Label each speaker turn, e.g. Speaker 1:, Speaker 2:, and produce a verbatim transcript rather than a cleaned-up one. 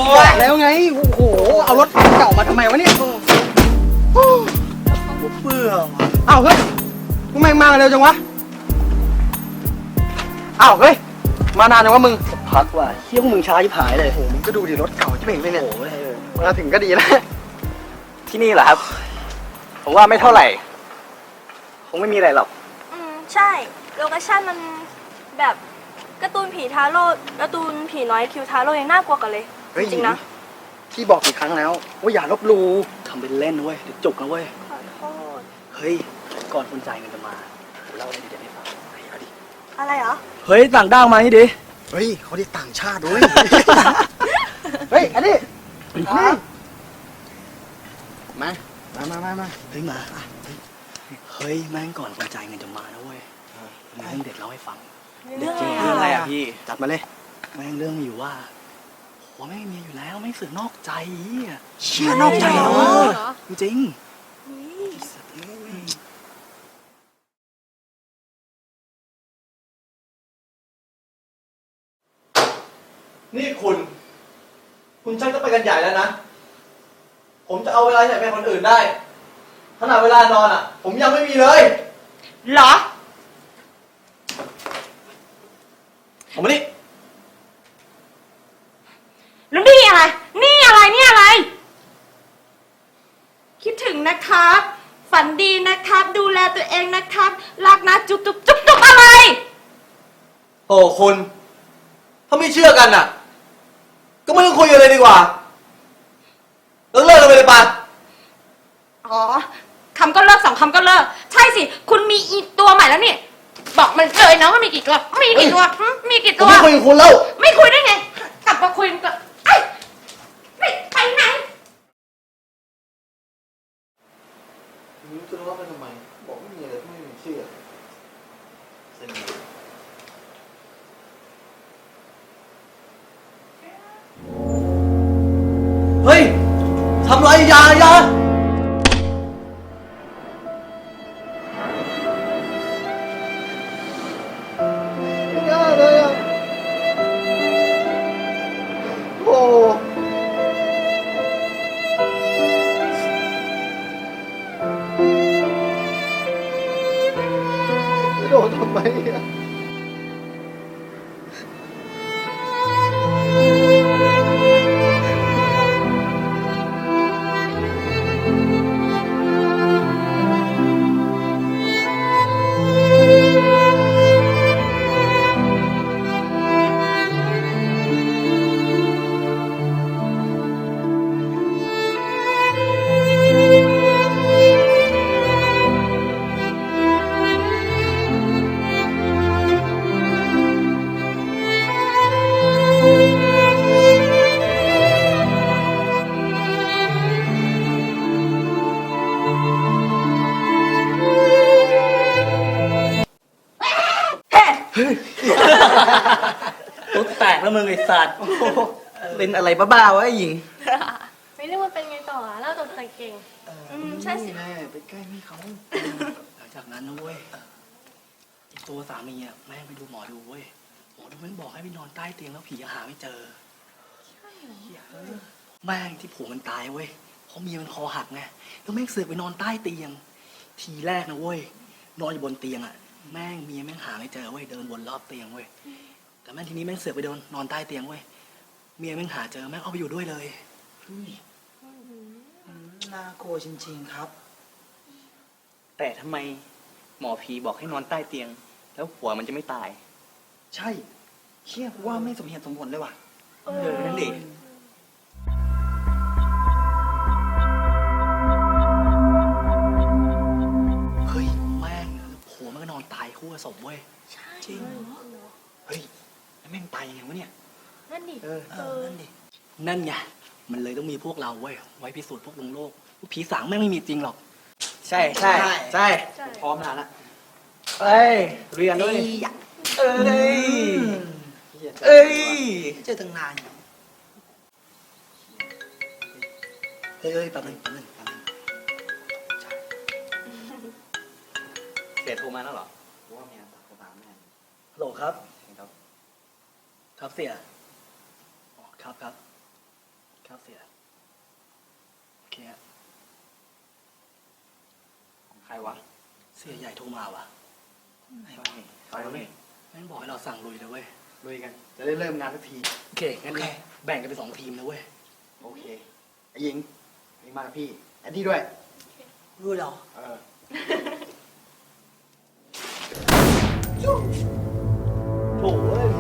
Speaker 1: บอกแล้วไงโอ้โหเอารถเก่ามาทำไมวะเนี่ยเบื่ออ้าวเฮ้ยทำไมมาเร็วจังวะอ้าวเฮ้ยมานานจังวะมึงพักว่ะเที่ยวมึงช้าชิบหายเลยโอ้มึงก็ดูดิรถเก่าที่เห็นเลยเนี่ยโอ้มาถึงก็ดีแล้วที่นี่เหรอครับผมว่าไม่เท่าไหร่คงไม่มีอะไรหรอก
Speaker 2: อืมใช่โลเคชั่นมันแบบการ์ตูนผีทาโร่การ์ตูนผีน้อยคิวทาโร่ยังน่ากลัวกันเลยจริงๆนะ
Speaker 1: ที่บอกกี่ครั้งแล้วว่าอย่าลบหลู่ทำเป็นเล่นเว้ยเดี๋ยวจุกนะเว้ย
Speaker 2: ขอโทษ
Speaker 1: เฮ้ยก่อนคนจ่ายเงินจะมาเล่าอะไรดีๆให้ฟังเอาดิ
Speaker 2: อะไรเหรอ
Speaker 1: เฮ้ยต่างด้าวมานี่ดิเฮ้ยเขาได้ต่างชาติด้วยเฮ้ยอันนี้นี่มามามามามาเฮ้ยมาเฮ้ยแม่งก่อนคนจ่ายเงินจะมานะเว้ยมีเรื่องเด็ดเล่าให้ฟัง
Speaker 2: เรื่อง
Speaker 1: อะไรอ่ะพี่จัดมาเลยแม่งเรื่องมีอยู่ว่าหัวแม่งมีอยู่แล้วไม่เสือกนอกใจอ่ะเชื่อนอกใจเหรอจริง
Speaker 3: นี่คุณคุณช่างจะไปกันใหญ่แล้วนะผมจะเอาเวลาไหนไปคนอื่นได้ขนาดเวลานอนอ่ะผมยังไม่มีเลย
Speaker 2: เหรอ
Speaker 3: ผมมานี่
Speaker 2: แล้วนี่อะไรนี่อะไรนี่อะไรคิดถึงนะครับฝันดีนะครับดูแลตัวเองนะครับรักนะจุ๊บจุ๊บจุ๊บจุ๊บอะไร
Speaker 3: โอ้คุณถ้าไม่เชื่อกันอ่ะก็ไม่ต้องคุยกันเลยดีกว่าเลิกเลิกกันไปเลยป่ะ
Speaker 2: อ๋อคำก็เลิกสองคำก็เลิกใช่สิคุณมีอีตัวใหม่แล้วนี่บอกมันเลยนะว่ามีกี่ตัวมีกี่ตัวมีกี่ตัว
Speaker 3: ไม่คุยกับคุณแล้ว
Speaker 2: ไม่คุยได้ไงกลับมาคุยกันไอ้ไม่ไปไหน
Speaker 3: รู้จะรู้ว่าเป็นทำไมบอกไม่มีอะไรไม่มีเชื่อเส้นเฮ้ยทำไรยายาโดนทำไมอ่ะ
Speaker 1: ตุ๊ดแตกแล้วมึงไอ้สัตว์เป็นอะไรบ้าๆวะไอ้หญิง
Speaker 2: ไม่รู้ว่าเป็นไงต่อเล่าตัวเก่งอืมใช่สิ
Speaker 1: แม่ไปใกล้พี่เขาหลังจากนั้นนะเว้ยอีกตัวสามีอ่ะแม่ไปดูหมอดูเว้ยหมอดูแม่งบอกให้ไปนอนใต้เตียงแล้วผีหาไม่เจอแม่งที่ผัวมันตายเว้ยเพราะเมียมันคอหักไงแล้วแม่งเสือกไปนอนใต้เตียงทีแรกนะเว้ยนอนอยู่บนเตียงอ่ะแม่งเมียแม่งหาไม่เจอเว้ยเดินวนรอบเตียงเว้ยแต่แม่งทีนี้แม่งเสือกไปโดนนอนใต้เตียงเว้ยเมียแม่งหาเจอแม่งเอาไปอยู่ด้วยเลยน่ากลัวจริงๆครับ
Speaker 4: แต่ทำไมหมอผีบอกให้นอนใต้เตียงแล้วหัวมันจะไม่ตาย
Speaker 1: ใช่เชี่ยว่าไม่สมเหตุสมผลเลยว่ะ
Speaker 4: เออนั่นดิ
Speaker 1: เฮ้ยแม่งหัวมันก็นอนตายคู่กับศพเว้ยจริงเฮ้ยแม่งตายยังไงวะเนี่ย
Speaker 2: นั่นดิ
Speaker 1: เออนั่นดินั่นไงมันเลยต้องมีพวกเราเว้ยไว้พิสูจน์พวกลงโลกผีสางแม่งไม่มีจริงหรอก
Speaker 4: ใช่ใช่ใช่พร้อมนานละเอ้ยเรียนด้วยเอ้ยเอ้ย
Speaker 1: เจอตั้งนานเฮ้ยเฮ้ยแป๊บนึงแป๊บนึงแป๊บนึง
Speaker 4: เสียโทรมาแล้วเหรอ
Speaker 1: ว่าเมียตัดกระบาแม่ฮัลโหลครับครับครับเสียอ๋อครับครับครับเสียโอเคฮะ
Speaker 4: ใครวะ
Speaker 1: เสียใหญ่โทรมาว่ะ
Speaker 4: ไหนวะนี่ไปแล้วนี่
Speaker 1: แม่งบอกให้เราสั่งลุยเลยเว้ย
Speaker 4: ลุยกัน จะได้เริ่มงานสักที
Speaker 1: โอเคงั้นก็แบ่งกันเป็นสองทีมนะเว้ย
Speaker 4: โอเคไอ้หญิงไอ้มากับพี่แอนดี้ด้วย
Speaker 1: รู้เหรอ
Speaker 4: เออ
Speaker 3: โถ่เอ้ย